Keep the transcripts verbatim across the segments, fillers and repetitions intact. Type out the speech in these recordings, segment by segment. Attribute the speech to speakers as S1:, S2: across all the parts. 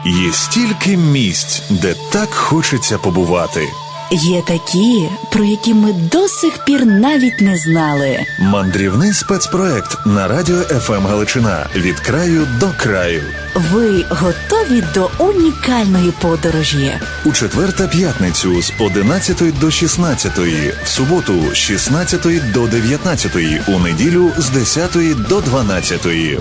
S1: Є стільки місць, де так хочеться побувати.
S2: Є такі, про які ми до сих пір навіть не знали.
S1: Мандрівний спецпроект на радіо еф ем Галичина. Від краю до краю.
S2: Ви готові до унікальної подорожі?
S1: У четвер та п'ятницю з одинадцятої до шістнадцятої, в суботу з шістнадцятої до дев'ятнадцятої, у неділю з десятої до дванадцятої.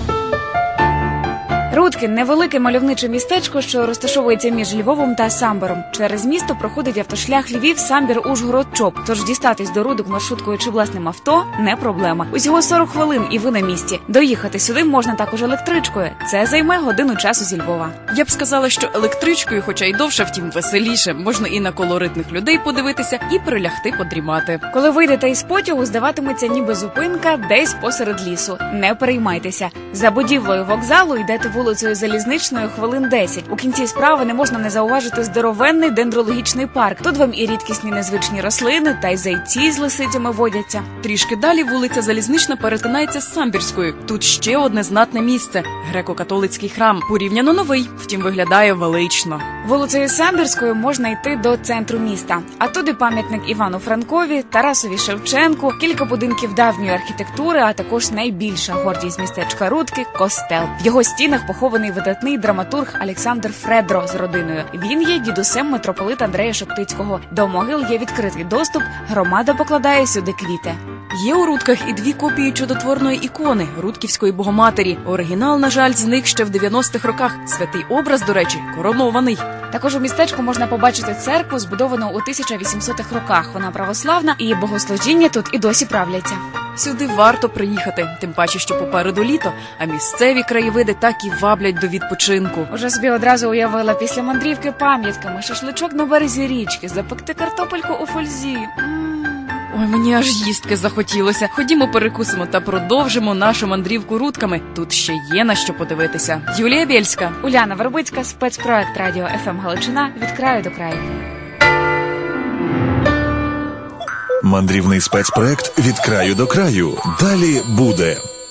S3: Рудки – невелике мальовниче містечко, що розташовується між Львовом та Самбором. Через місто проходить автошлях Львів, Самбір, Ужгород, Чоп. Тож дістатись до Рудок маршруткою чи власним авто – не проблема. Усього сорок хвилин і ви на місці. Доїхати сюди можна також електричкою. Це займе годину часу зі Львова.
S4: Я б сказала, що електричкою, хоча й довше, втім веселіше, можна і на колоритних людей подивитися, і прилягти подрімати.
S3: Коли вийдете із потягу, здаватиметься ніби зупинка десь посеред лісу. Не переймайтеся. За будівлею вокзалу йдете вулицею Залізничною хвилин десять. У кінці справи не можна не зауважити здоровенний дендрологічний парк. Тут вам і рідкісні незвичні рослини, та й зайці з лисицями водяться.
S4: Трішки далі вулиця Залізнична перетинається з Самбірською. Тут ще одне знатне місце – греко-католицький храм. Порівняно новий, втім виглядає велично.
S3: Вулицею Самбірською можна йти до центру міста. А туди пам'ятник Івану Франкові, Тарасові Шевченку, кілька будинків давньої архітектури, а також найбільша гордість містечка Рудки – костел. В його стінах похований видатний драматург Олександр Фредро з родиною. Він є дідусем митрополита Андрея Шептицького. До могил є відкритий доступ, громада покладає сюди квіти.
S4: Є у Рудках і дві копії чудотворної ікони – Рудківської Богоматері. Оригінал, на жаль, зник ще в дев'яностих роках. Святий образ, до речі, коронований.
S3: Також у містечку можна побачити церкву, збудовану у тисяча вісімсотих роках. Вона православна, і богослужіння тут і досі правляться.
S4: Сюди варто приїхати, тим паче, що попереду літо, а місцеві краєвиди так і ваблять до відпочинку.
S3: Уже собі одразу уявила після мандрівки пам'ятками, шашличок на березі річки, запекти картопельку у фользі.
S4: Ой, мені аж їстки захотілося. Ходімо перекусимо та продовжимо нашу мандрівку Рудками. Тут ще є на що подивитися. Юлія Бєльська.
S3: Уляна Вербицька, спецпроект радіо еф ем Галичина від краю до краю.
S1: Мандрівний спецпроект від краю до краю. Далі буде.